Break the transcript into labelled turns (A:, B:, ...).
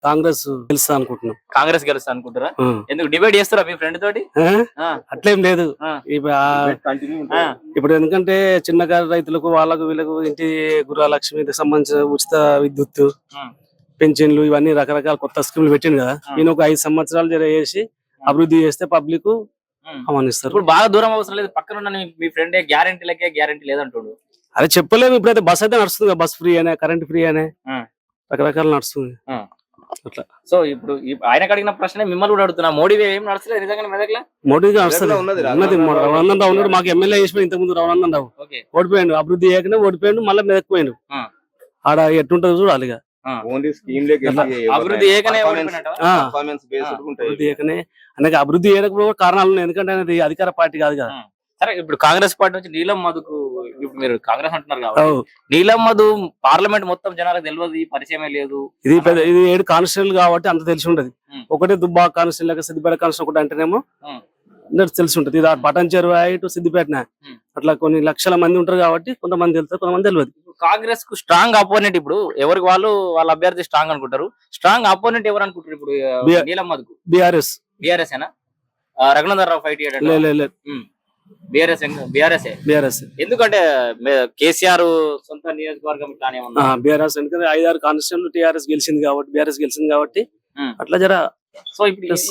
A: కాంగ్రెస్ గెలుస్తా అనుకుంటున్నాం.
B: కాంగ్రెస్ గెలుస్తా అనుకుంటారా? ఎందుకు డిబేట్ చేస్తారా మీ ఫ్రెండ్ తోటి?
A: అట్లేం లేదు. ఇప్పుడు ఎందుకంటే చిన్నకారు రైతులకు వాళ్ళకు వీళ్ళకు ఇంటి గృహలక్ష్మికి సంబంధించిన ఉచిత విద్యుత్ పెన్షన్లు ఇవన్నీ రకరకాల కొత్త స్కీములు పెట్టింది కదా. నేను ఒక 5 సంవత్సరాలు చేసి అభివృద్ధి చేస్తే పబ్లిక్ ఆహ్వానిస్తారు.
B: ఇప్పుడు బాగా దూరం అవసరం లేదు, పక్కన మీ ఫ్రెండ్ గ్యారెంటీ లేదంటాడు.
A: అదే చెప్పలేము. ఇప్పుడైతే బస్ అయితే నడుస్తుంది కదా, బస్ ఫ్రీ అనే, కరెంట్ ఫ్రీ అనే రకరకాల నడుస్తుంది అట్లా.
B: సో ఇప్పుడు ఆయనకు అడిగిన ప్రశ్న మిమ్మల్ని కూడా అడుగుతున్నా, మోడీ ఏం నడుస్తలేదు నిజంగా మెదక్లా?
A: మోడీగా నడుస్తుంది ఉన్నది. రఘునందన్ రావు ఉన్నాడు, మాకు ఎమ్మెల్యే చేసిపోయి ఇంతకు ముందు రఘునందన్ రావు ఓడిపోయాడు. అభివృద్ధి చేయకనే ఓడిపోయాడు, మళ్ళీ మెదక్కిపోయాడు. ఆడ ఎట్టుంటది చూడాలి. ఇక
B: అభివృద్ధి ఏకనే
A: అనేక అభివృద్ధి చేయడానికి కారణాలు ఉన్నాయి. ఎందుకంటే అనేది అధికార పార్టీ కాదు కదా.
B: సరే, ఇప్పుడు కాంగ్రెస్ పార్టీ నుంచి నీలం మధుకు, ఇప్పుడు మీరు కాంగ్రెస్ అంటున్నారు కాబట్టి నీలం మధు పార్లమెంట్ మొత్తం జనాలకు తెలియదు, పరిచయమే లేదు.
A: ఇది 7 కాన్స్టిట్యూన్సీలు కాబట్టి అంత తెలిసి ఉంటది. ఒకటే దుబ్బా కాన్స్టిట్యూన్సీ లేక సిద్దిపేట కాన్స్టిట్యూన్సీ ఒకటి అంటేనేమో తెలిసి ఉంటది. ఇది పటన్ చెరువు టు సిద్దిపేట అట్లా కొన్ని లక్షల మంది ఉంటారు కాబట్టి కొంతమంది తెలుస్తారు, కొంతమంది తెలియదు.
B: కాంగ్రెస్ కు స్ట్రాంగ్ అపోనెంట్ ఇప్పుడు ఎవరికి వాళ్ళ అభ్యర్థి స్ట్రాంగ్ అనుకుంటారు. స్ట్రాంగ్ అపోనెంట్ ఎవరు అనుకుంటారు ఇప్పుడు నీలం మధుకు?
A: బీఆర్ఎస్
B: ఏనా? రఘునందన్ రావు ఫైట్ చేయడం బీఆర్ఎస్. ఎందుకంటే కేసీఆర్ సొంత నియోజకవర్గం
A: బీఆర్ఎస్ ఎందుకంటే 5-6 కాన్స్టిట్యూన్సీలు టీఆర్ఎస్ గెలిచింది కాబట్టి, బీఆర్ఎస్ గెలిచింది కాబట్టి అట్లా జర.
B: సో ఇప్పుడు